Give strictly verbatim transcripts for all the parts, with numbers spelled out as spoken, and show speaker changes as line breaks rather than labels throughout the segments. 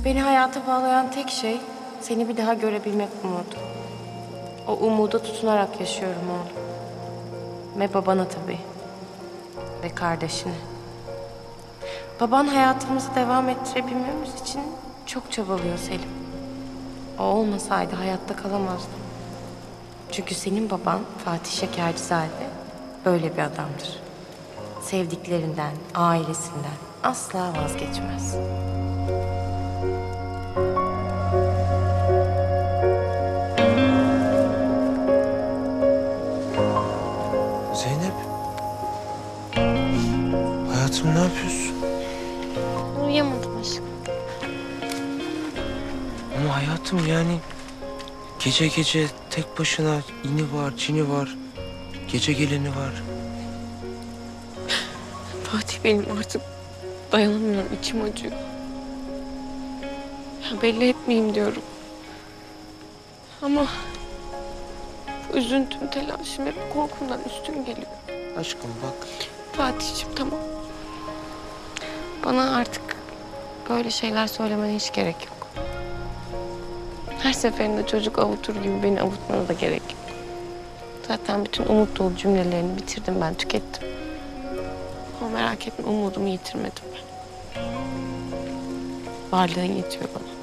Beni hayata bağlayan tek şey seni bir daha görebilmek umudu. O umuda tutunarak yaşıyorum oğlum. Ve babana tabii. Ve kardeşine. Baban hayatımızı devam ettirebilmemiz için çok çabalıyor Selim. O olmasaydı hayatta kalamazdım. Çünkü senin baban Fatih Şekercizade böyle bir adamdır. Sevdiklerinden, ailesinden asla vazgeçmez.
Zeynep. Hayatım ne yapıyorsun?
Uyuyamadım aşkım.
Ama hayatım yani gece gece tek başına ini var, cini var, gece geleni var.
Fatih benim artık dayanamıyorum, içim acıyor. Ya belli etmeyeyim diyorum. Ama bu üzüntüm, telaşım hep korkumdan üstün geliyor.
Aşkım bak.
Fatih'ciğim tamam. Bana artık böyle şeyler söylemene hiç gerek yok. Her seferinde çocuk avutur gibi beni avutmana da gerek yok. Zaten bütün umut dolu cümlelerini bitirdim ben, tükettim. Ama merak etme, umudumu yitirmedim ben. Varlığın yetiyor bana.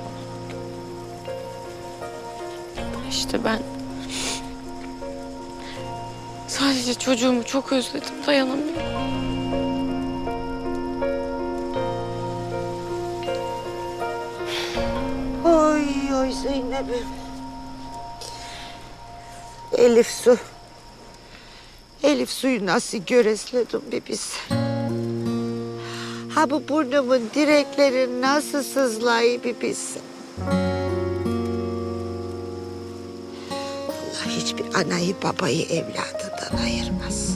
İşte ben sadece çocuğumu çok özledim, dayanamıyorum.
Oy oy Zeynep'im. Elif su. Elif suyu nasıl göresledim bir biz. Ha bu burnumun direkleri nasıl sızlayı bir biz. Allah hiçbir anayı babayı evladından ayırmaz.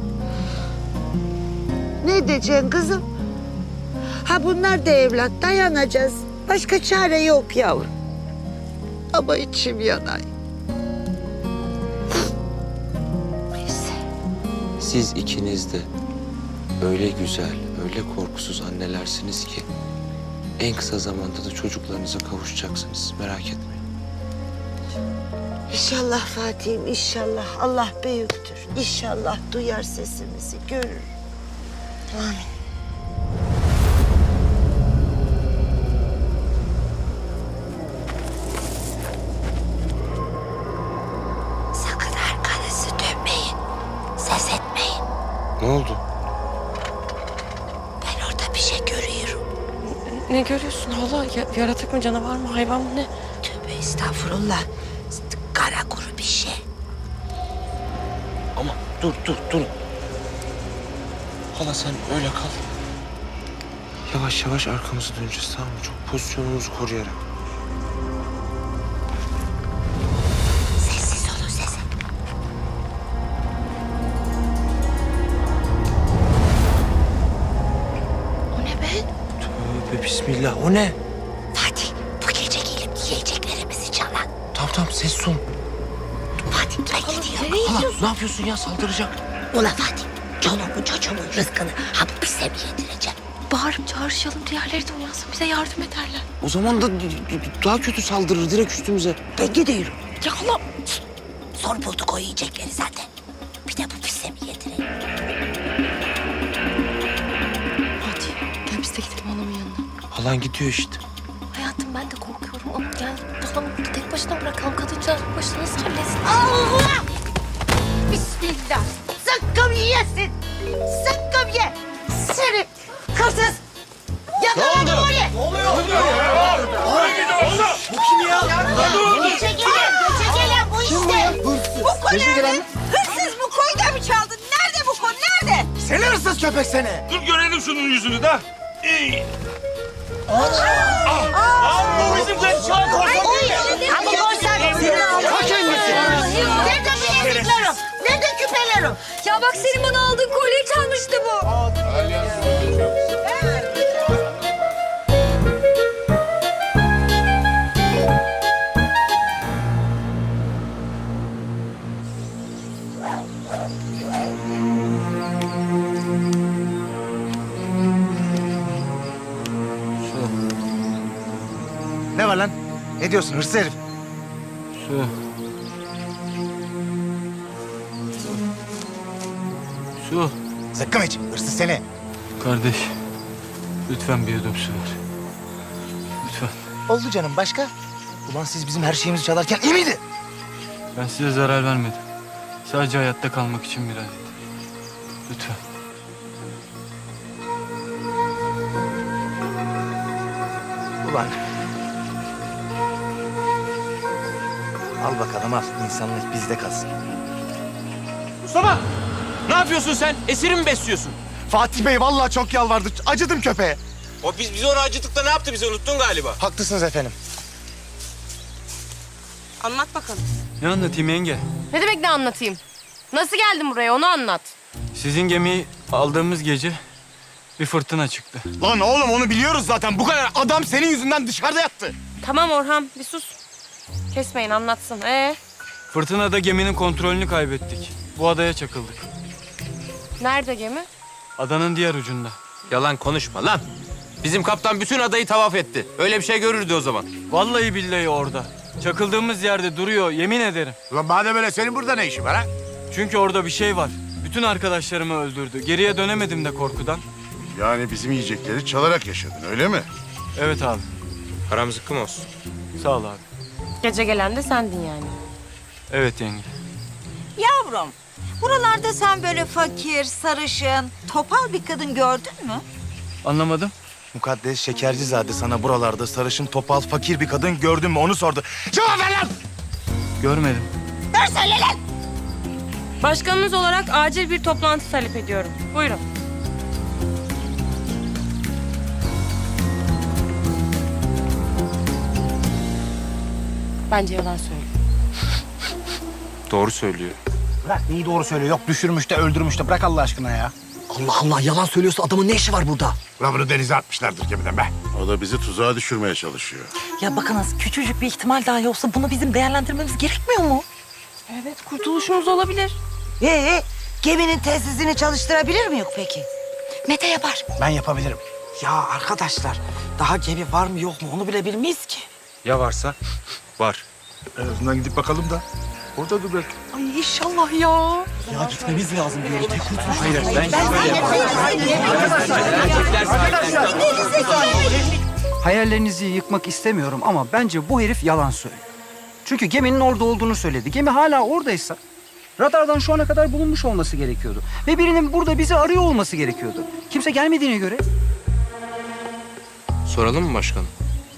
Ne diyeceksin kızım? Ha bunlar da evlat, dayanacağız. Başka çare yok yavrum. Ama içim yanar. Neyse.
Siz ikiniz de öyle güzel, öyle korkusuz annelersiniz ki en kısa zamanda da çocuklarınıza kavuşacaksınız. Merak etmeyin.
İnşallah Fatih'im, inşallah. Allah büyüktür. İnşallah duyar sesimizi, görür. Amin. Sakın arkanızı dönmeyin. Ses etmeyin.
Ne oldu?
Ben orada bir şey görüyorum.
Ne görüyorsun hala? Ya, yaratık mı, canavar mı, hayvan mı, ne?
Tövbe estağfurullah. Kara kuru bir şey.
Ama dur, dur, dur. Hala sen öyle kal. Yavaş yavaş arkamızı döneceğiz, tamam mı? Çok pozisyonumuzu koruyarak.
Sessiz olun, sessiz.
O ne be?
Tövbe bismillah. O ne?
Fatih, bu gece gelip yiyeceklerimizi çalan.
Tamam tamam ses ol.
Fatih, ben gidiyorum.
Nereye
Hala
gidiyorsun?
ne yapıyorsun ya? Saldıracak.
Ula Fatih, çoluğumun çocuğumun rızkını ha bu pise mi yedireceğim?
Bağırıp çağrışalım, diğerleri de uyansın, bize yardım ederler.
O zaman da daha kötü saldırır direkt üstümüze.
Ben gidiyorum.
Ya hala!
Zor bulduk o yiyecekleri zaten. Bir de bu pise mi yedireyim?
Fatih, gel biz de gidelim anamın yanına.
Halan gidiyor işte.
Hayatım ben de korkuyorum ama yani halamı burada tek başına bırakalım. Kadıncağız bu başına nasıl halletsin?
Allah! Bismillah. Zıkkım yesin. Zıkkım ye. Seni kırsız. Yakaladım oraya. Geçe gelen, geçe gelen bu işte. Bu konu nerede? Hırsız bu koyu da mı çaldın? Nerede bu konu, nerede?
Seni hırsız köpek seni.
Dur görelim şunun yüzünü de. İyi. Aa, bu bizim kaçacağız.
Ama korsan seni aldım.
Ta kendisi.
Nerede bileziklerim? Nerede küpelerim?
Ya bak senin bana aldığın kolyeyi çalmıştı bu.
Ne var lan? Ne diyorsun hırsız herif?
Su. Su.
Zıkkım iç. Hırsız seni.
Kardeş. Lütfen bir yudum su ver. Lütfen.
Oldu canım başka? Ulan siz bizim her şeyimizi çalarken iyi miydi?
Ben size zarar vermedim. Sadece hayatta kalmak için biraz yeter. Lütfen.
Ulan. Al bakalım al. İnsanlık bizde kalsın.
Mustafa! Ne yapıyorsun sen? Esiri mi besliyorsun?
Fatih Bey vallahi çok yalvardı. Acıdım köpeğe.
O biz, biz onu acıttık da ne yaptı bizi unuttun galiba.
Haklısınız efendim.
Anlat bakalım.
Ne anlatayım yenge?
Ne demek ne anlatayım? Nasıl geldin buraya onu anlat.
Sizin gemiyi aldığımız gece bir fırtına çıktı.
Lan oğlum onu biliyoruz zaten. Bu kadar adam senin yüzünden dışarıda yattı.
Tamam Orhan bir sus. Kesmeyin anlatsın. Ee,
Fırtınada geminin kontrolünü kaybettik. Bu adaya çakıldık.
nerede gemi?
Adanın diğer ucunda.
Yalan konuşma lan. Bizim kaptan bütün adayı tavaf etti. Öyle bir şey görürdü o zaman.
Vallahi billahi orada. Çakıldığımız yerde duruyor, yemin ederim.
Ulan madem öyle senin burada ne işin var ha?
Çünkü orada bir şey var. Bütün arkadaşlarımı öldürdü. Geriye dönemedim de korkudan.
Yani bizim yiyecekleri çalarak yaşadın öyle mi?
Evet abi.
Haram zıkkım olsun.
Sağ ol abi.
Gece gelen de sendin yani.
Evet yenge.
Yavrum, buralarda sen böyle fakir, sarışın, topal bir kadın gördün mü?
Anlamadım.
Mukaddes Şekercizade sana buralarda sarışın, topal, fakir bir kadın gördün mü onu sordu. Cevap ver lan!
Görmedim.
Başkanınız olarak acil bir toplantı talep ediyorum. Buyurun. Bence yalan söylüyor.
Doğru söylüyor.
Bırak neyi doğru söylüyor? Yok düşürmüş de öldürmüş de bırak Allah aşkına ya.
Allah Allah yalan söylüyorsa adamın ne işi var burada?
Ulan bunu denize atmışlardır gemiden be. O da bizi tuzağa düşürmeye çalışıyor.
Ya bakınız küçücük bir ihtimal dahi olsa bunu bizim değerlendirmemiz gerekmiyor mu?
Evet kurtuluşumuz olabilir.
Ee, geminin telsizini çalıştırabilir mi yok peki?
Mete yapar.
Ben yapabilirim.
Ya arkadaşlar daha gemi var mı yok mu onu bile bilmeyiz ki.
Ya varsa? Var.
En azından gidip bakalım da. Orada dur belki.
Ay inşallah ya. Ya gitmemiz lazım diyor. Tek kurtuluş. Hayır ben
Hayallerinizi yıkmak istemiyorum ama bence bu herif yalan söylüyor. Çünkü geminin orada olduğunu söyledi. Gemi hala oradaysa radardan şu ana kadar bulunmuş olması gerekiyordu. Ve birinin burada bizi arıyor olması gerekiyordu. Kimse gelmediğine göre
Soralım mı başkanım?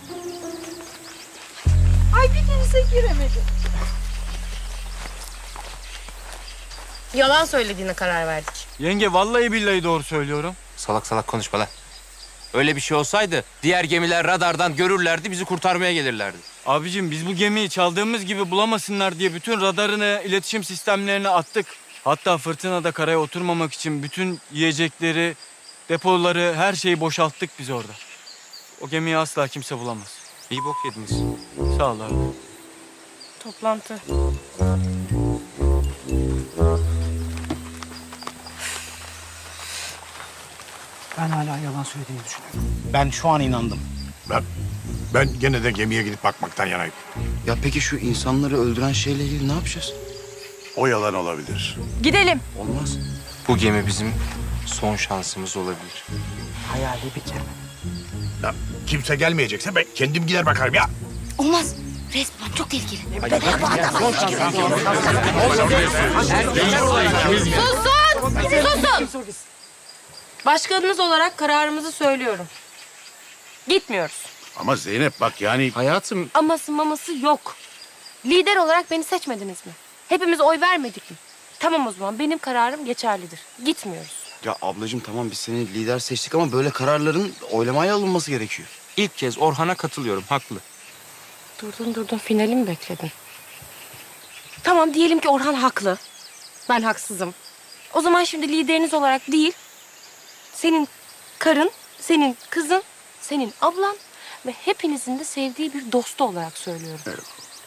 Yalan söylediğine karar verdik.
Yenge vallahi billahi doğru söylüyorum.
Salak salak konuşma lan. Öyle bir şey olsaydı diğer gemiler radardan görürlerdi, bizi kurtarmaya gelirlerdi.
Abicim biz bu gemiyi çaldığımız gibi bulamasınlar diye bütün radarını, iletişim sistemlerini attık. Hatta fırtınada karaya oturmamak için bütün yiyecekleri, depoları, her şeyi boşalttık biz orada. O gemiyi asla kimse bulamaz.
İyi bok yediniz.
Sağ ol abi.
Toplantı.
ben hala yalan söylediğini düşünüyorum. Ben şu an inandım.
Ben, ben gene de gemiye gidip bakmaktan yanayım.
Ya peki şu insanları öldüren şeyle ilgili ne yapacağız?
O yalan olabilir.
Gidelim.
Olmaz.
Bu gemi bizim son şansımız olabilir.
Hayali bir gemi.
Ya, kimse gelmeyecekse ben kendim gider bakarım ya.
Olmaz. Resmen çok tehlikeli.
Susun! Susun! Başkanınız olarak kararımızı söylüyorum. Gitmiyoruz.
Ama Zeynep bak yani
Hayatım,
Aması maması yok. Lider olarak beni seçmediniz mi? Hepimiz oy vermedik mi? Tamam o zaman benim kararım geçerlidir. Gitmiyoruz.
Ya ablacığım tamam biz seni lider seçtik ama böyle kararların oylamaya alınması gerekiyor.
ilk kez Orhan'a katılıyorum, haklı.
Durdun durdun finali mi bekledin? Tamam diyelim ki Orhan haklı. Ben haksızım. O zaman şimdi lideriniz olarak değil, senin karın, senin kızın, senin ablan ve hepinizin de sevdiği bir dostu olarak söylüyorum.
Evet.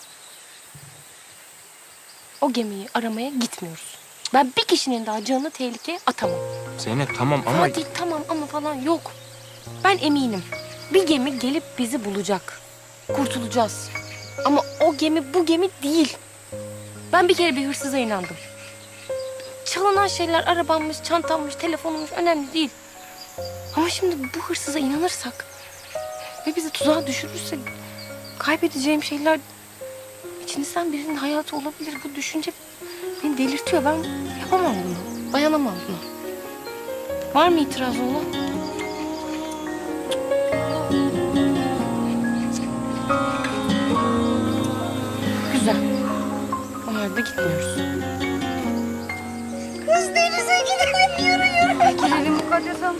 O gemiyi aramaya gitmiyoruz. Ben bir kişinin daha canını tehlikeye atamam.
Zeynep tamam ama...
Fatih tamam ama falan yok. Ben eminim. Bir gemi gelip bizi bulacak. Kurtulacağız. Ama o gemi bu gemi değil. Ben bir kere bir hırsıza inandım. Çalınan şeyler arabammış, çantammış, telefonummuş önemli değil. Ama şimdi bu hırsıza inanırsak ve bizi tuzağa düşürürse kaybedeceğim şeyler içinizden birinin hayatı olabilir. Bu düşünce beni delirtiyor. Ben yapamam bunu. Dayanamam buna. Var mı itiraz olan? Güzel. O halde gitmiyoruz.
Kız denize gidelim, yürü yürü.
Girelim Mukaddes Hanım.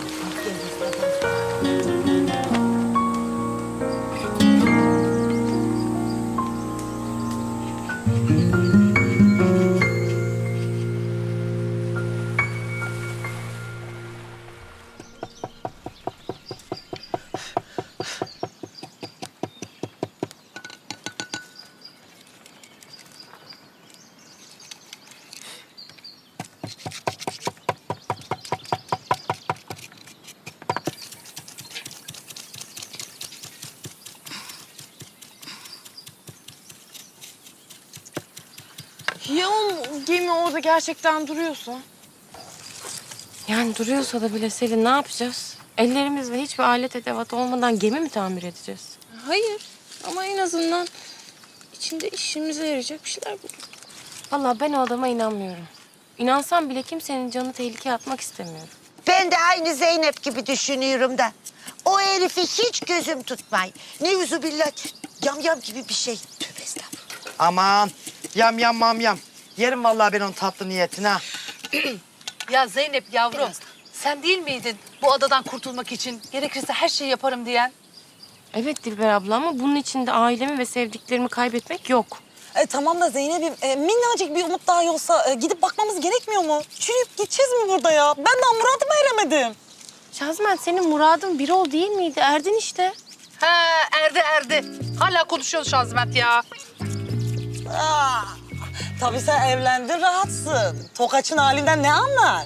Ya o gemi orada gerçekten duruyorsa?
Yani duruyorsa da bile Selin ne yapacağız? Ellerimizle hiçbir alet edevat olmadan gemi mi tamir edeceğiz?
Hayır ama en azından içinde işimize yarayacak bir şeyler bulduk.
Vallahi ben o adama inanmıyorum. İnansam bile kimsenin canı tehlikeye atmak istemiyorum.
Ben de aynı Zeynep gibi düşünüyorum da. O herifi hiç gözüm tutmay. Neuzubillah, yamyam gibi bir şey. Tövbe estağfurullah.
Aman yam yam mam yam. Yerim vallahi ben onun tatlı niyetine ha.
Ya Zeynep yavrum, sen değil miydin bu adadan kurtulmak için gerekirse her şeyi yaparım diyen?
Evet Dilber abla ama bunun içinde ailemi ve sevdiklerimi kaybetmek yok.
E, tamam da Zeynep'im e, minnacık bir umut daha olsa e, gidip bakmamız gerekmiyor mu? Çürüyüp gideceğiz mi burada ya? Ben daha muradıma eremedim.
Şazmen senin muradın bir ol değil miydi? Erdin işte.
Ha erdi erdi. Hala konuşuyorsun Şazmet ya.
Aa, tabii sen evlendin, rahatsın. Tokaç'ın halinden ne anlar?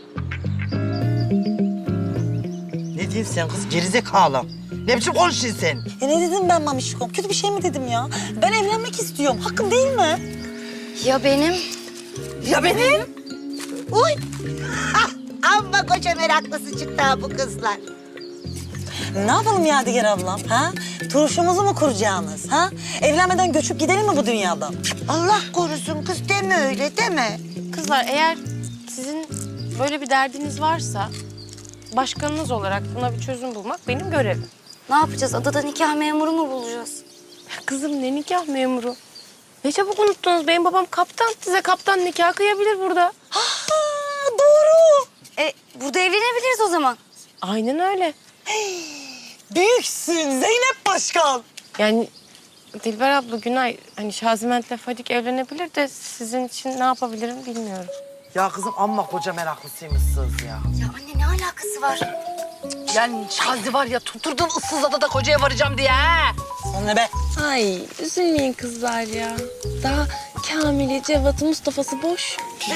Ne diyorsun sen kız gerizekalı? Ne biçim konuşuyorsun sen?
Ya ne dedim ben Mamişkom? Kötü bir şey mi dedim ya? Ben evlenmek istiyorum. Hakkım değil mi?
Ya benim?
Ya benim?
Uy! Hah, amma koca meraklısı çıktı ha bu kızlar.
Ne yapalım Yadigar ablam? Ha? Turşumuzu mu kuracaksınız? Ha? Evlenmeden göçüp gidelim mi bu dünyadan?
Allah korusun kız, deme öyle deme.
Kızlar eğer sizin böyle bir derdiniz varsa başkanınız olarak buna bir çözüm bulmak benim görevim.
Ne yapacağız? Adada nikah memuru mu bulacağız?
Kızım ne nikah memuru? Ne çabuk unuttunuz. Benim babam kaptan. Size kaptan nikah kıyabilir burada.
Ha, doğru.
E, burada evlenebiliriz o zaman.
Aynen öyle.
Büyüksün Zeynep Başkan.
Yani Dilber abla, Günay, hani Şaziment'le Fadik evlenebilir de sizin için ne yapabilirim bilmiyorum.
Ya kızım amma koca meraklısıymışsınız ya.
Ya anne ne alakası var?
Yani Şazi var ya tuturdun ıssız adada kocaya varacağım diye ha.
Sana be.
Ay üzülmeyin kızlar ya. Daha Kamil'i, Cevat'ı, Mustafa'sı boş.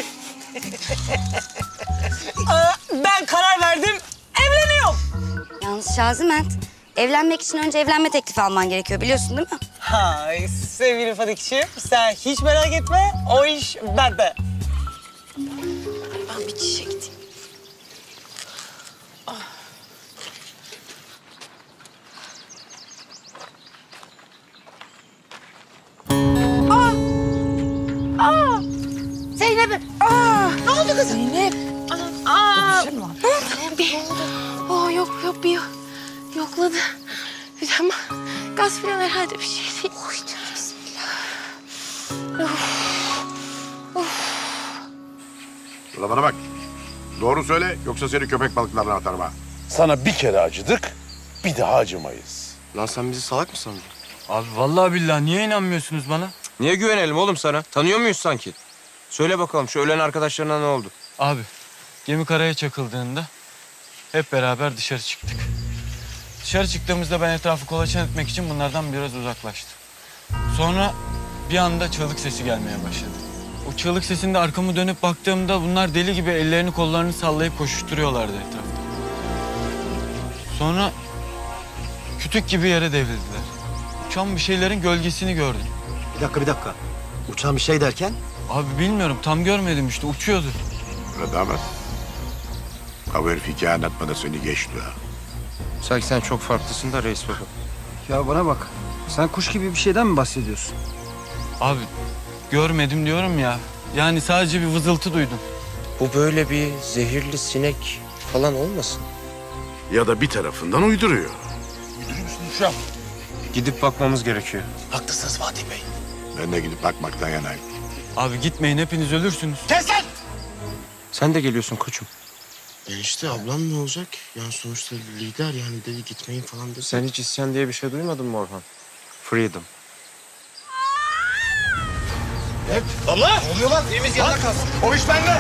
Aa, ben karar verdim. Evleniyorum.
Yalnız Şaziment, evlenmek için önce evlenme teklifi alman gerekiyor biliyorsun değil mi?
Hay sevgili Fadik'ciğim, sen hiç merak etme. O iş bende.
Ben bir çişe gideyim.
Zeynep'im. Aa, ne oldu kızım?
Zeynep. Aa, bir, oh, yok yok bir yokladı. Bir ama gaz falan herhalde bir şey değil. Oy canım, bismillah. Of.
Ulan bana bak. Doğru söyle yoksa seni köpek balıklarına atarım ha.
Sana bir kere acıdık, bir daha acımayız.
Lan sen bizi salak mı sandın?
Abi vallahi billahi niye inanmıyorsunuz bana?
Niye güvenelim oğlum sana? Tanıyor muyuz sanki? Söyle bakalım şu ölen arkadaşlarına ne oldu?
Abi gemi karaya çakıldığında hep beraber dışarı çıktık. Dışarı çıktığımızda ben etrafı kolaçan etmek için bunlardan biraz uzaklaştım. Sonra bir anda çığlık sesi gelmeye başladı. O çığlık sesinde arkamı dönüp baktığımda bunlar deli gibi ellerini kollarını sallayıp koşuşturuyorlardı etrafta. Sonra kütük gibi yere devrildiler. uçan bir şeylerin gölgesini gördüm.
Bir dakika bir dakika. Uçan bir şey derken?
Abi bilmiyorum tam görmedim işte uçuyordu.
Öyle damat. Ha bu herif hikaye anlatmada seni geçti ha.
Sanki sen çok farklısın da reis baba.
Ya bana bak. Sen kuş gibi bir şeyden mi bahsediyorsun?
Abi görmedim diyorum ya. Yani sadece bir vızıltı duydum.
Bu böyle bir zehirli sinek falan olmasın?
Ya da bir tarafından uyduruyor.
Gidip bakmamız gerekiyor.
Haklısınız Fatih Bey.
Ben de gidip bakmaktan yanayım.
Abi gitmeyin hepiniz ölürsünüz.
Kes lan!
Sen de geliyorsun koçum.
Enişte ablam ne olacak? Yani sonuçta lider yani dedi gitmeyin falan dedi.
Sen hiç isyan diye bir şey duymadın mı Orhan? Freedom.
Allah! Ne oluyor lan? Temiz yana kalsın. O iş bende.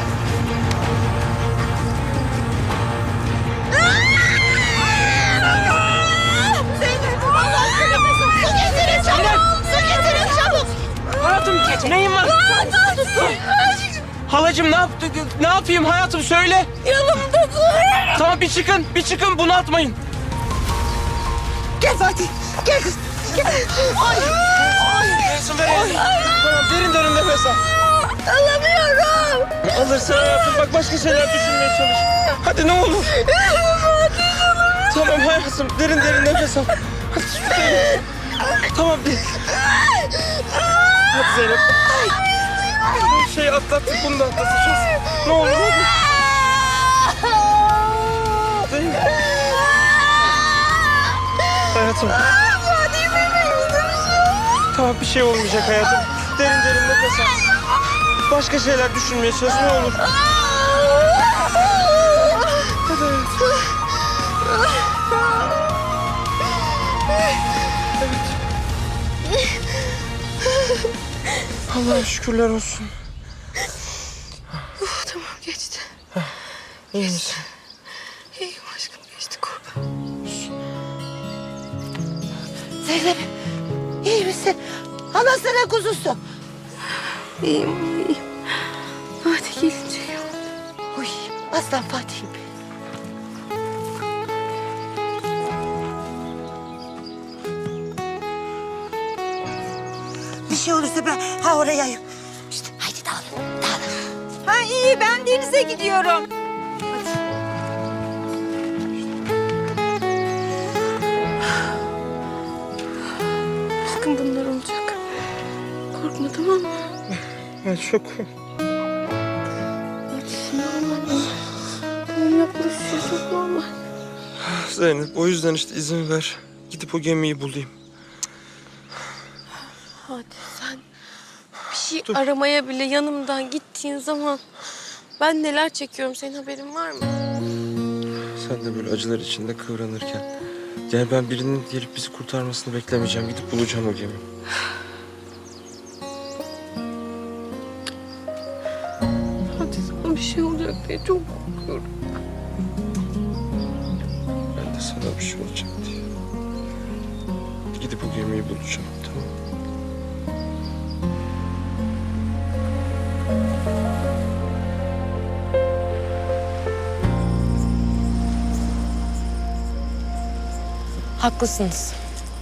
Zeynep, Allah korusun. Su getirin çabuk. Su getirin çabuk.
Hayatım neyin var? Halacığım ne yaptı? Ne yapayım hayatım söyle.
Yanımda dur.
Tamam bir çıkın, bir çıkın bunu atmayın.
Gel Fatih, gel kız. Gel. Ay, ay.
Verin verin. Tamam derin derin nefes al.
Alamıyorum.
Alırsın hayatım bak başka şeyler düşünmeye çalış. Hadi ne olur. Tamam hayatım derin derin nefes al. Hadi Zeynep. Tamam bir. Hadi Zeynep. Bu şeyi atlattık bunu da atlatacağız. Ne olur hadi. Zeynep. Hayatım. Tamam bir şey olmayacak hayatım. Derin derin nefes al. Başka şeyler düşünmeye çalış ne olur. Hadi hayatım. Evet. Allah'a şükürler olsun.
Uf, tamam geçti.
İyi misin?
İyiyim aşkım geçti kurban.
Zeynep, iyi misin? Anasına kuzusu.
İyiyim iyiyim. Fatih gelince iyi oldu.
Uy, aslan Fatih'im. Bir şey olursa ben ha oraya. İşte haydi dağılın, dağılın. Ha iyi, ben denize gidiyorum.
Aşkım bunlar olacak. Korkma tamam mı?
Ben çok...
Hadi şimdi normal. Tamam yaklaşıyor çok normal.
Zeynep o yüzden işte izin ver. Gidip o gemiyi bulayım.
Hadi sen bir şey aramaya bile yanımdan gittiğin zaman ben neler çekiyorum senin haberin var mı?
Sen de böyle acılar içinde kıvranırken. Yani ben birinin gelip bizi kurtarmasını beklemeyeceğim. Gidip bulacağım o gemiyi.
Hadi sana bir şey olacak diye çok korkuyorum.
Ben de sana bir şey olacak diye. Gidip o gemiyi bulacağım tamam mı?
Haklısınız.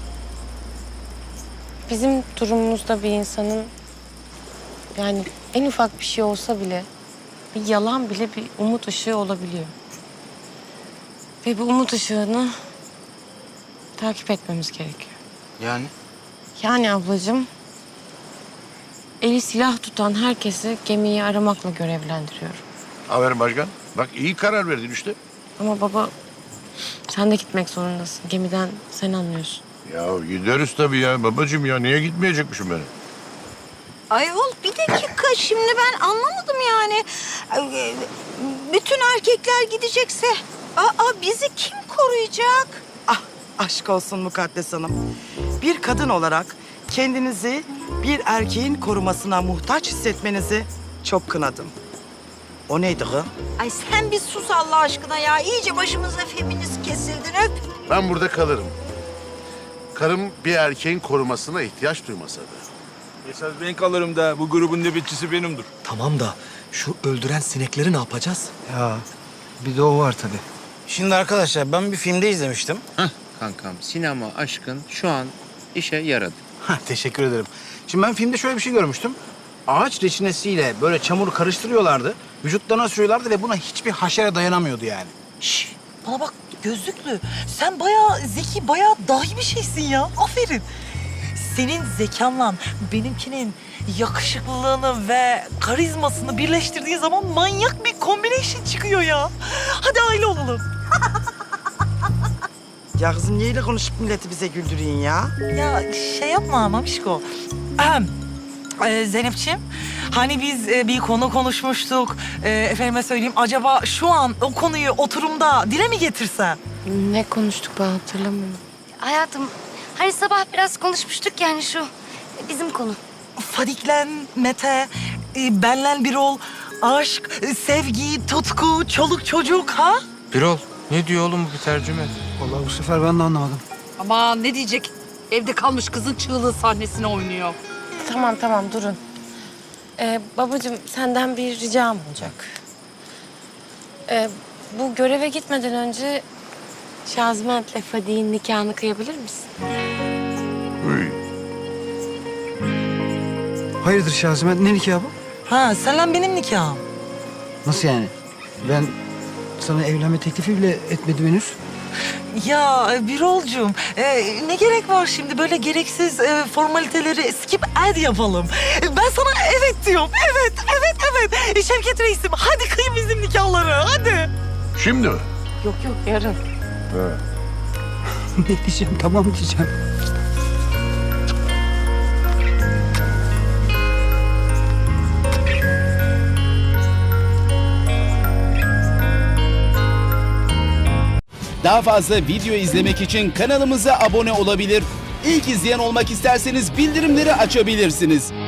Bizim durumumuzda bir insanın yani en ufak bir şey olsa bile bir yalan bile bir umut ışığı olabiliyor. Ve bu umut ışığını takip etmemiz gerekiyor.
Yani?
Yani ablacığım eli silah tutan herkesi gemiyi aramakla görevlendiriyorum.
Aferin başkan. Bak iyi karar verdin işte.
Ama baba sen de gitmek zorundasın. Gemiden sen anlıyorsun.
Ya gideriz tabii ya babacığım ya. Niye gitmeyecekmişim ben?
Ayol bir dakika şimdi ben anlamadım yani. Ee, Bütün erkekler gidecekse aa bizi kim koruyacak?
Ah aşk olsun Mukaddes Hanım. Bir kadın olarak kendinizi bir erkeğin korumasına muhtaç hissetmenizi çok kınadım. O neydi kız?
Ay sen bir sus Allah aşkına ya. İyice başımıza feminist kesildin öp.
Ben burada kalırım. Karım bir erkeğin korumasına ihtiyaç duymasa da.
Esas ben kalırım da bu grubun nöbetçisi benimdir.
Tamam da şu öldüren sinekleri ne yapacağız?
Ya bir de o var tabii.
Şimdi arkadaşlar ben bir filmde izlemiştim.
Hah kankam sinema aşkın şu an
İşe yaradı.
Ha, teşekkür ederim. Şimdi ben filmde şöyle bir şey görmüştüm. Ağaç reçinesiyle böyle çamuru karıştırıyorlardı. Vücutlarına sürüyorlardı ve buna hiçbir haşere dayanamıyordu yani.
Şş, bana bak gözlüklü. Sen bayağı zeki, bayağı dahi bir şeysin ya. Aferin. Senin zekanla benimkinin yakışıklılığını ve karizmasını birleştirdiği zaman manyak bir combination çıkıyor ya. Hadi aile olalım.
Ya kızım neyle konuşup milleti bize güldüreyim ya?
Ya şey yapma Mamişko. Ahem. Ee, Zeynep'ciğim, hani biz e, bir konu konuşmuştuk. Ee, efendime söyleyeyim, acaba şu an o konuyu oturumda dile mi getirsen?
Ne konuştuk ben hatırlamıyorum.
Hayatım hani sabah biraz konuşmuştuk yani şu bizim konu.
Fadiklen, Mete, e, benlen bir ol, aşk, e, sevgi, tutku, çoluk çocuk ha?
Birol, ne diyor oğlum bu bir tercüme?
Vallahi bu sefer ben de anlamadım.
Ama ne diyecek? Evde kalmış kızın çığlığı sahnesine oynuyor.
Tamam tamam durun. Ee, babacığım senden bir ricam olacak. Ee, bu göreve gitmeden önce Şazment'le Fadik'in nikahını kıyabilir misin?
Hayırdır Şazimet, ne nikahı bu?
Ha, senle benim nikahım.
Nasıl yani? Ben sana evlenme teklifi bile etmedim henüz.
Ya Birolcuğum, e, ne gerek var şimdi böyle gereksiz e, formaliteleri skip ad yapalım. E, Ben sana evet diyorum, evet, evet, evet. E, Şevket Reis'im, hadi kıy bizim nikahları, hadi.
Şimdi mi?
Yok yok yarın.
Ne diyeceğim, tamam diyeceğim.
Daha fazla video izlemek için kanalımıza abone olabilir. İlk izleyen olmak isterseniz bildirimleri açabilirsiniz.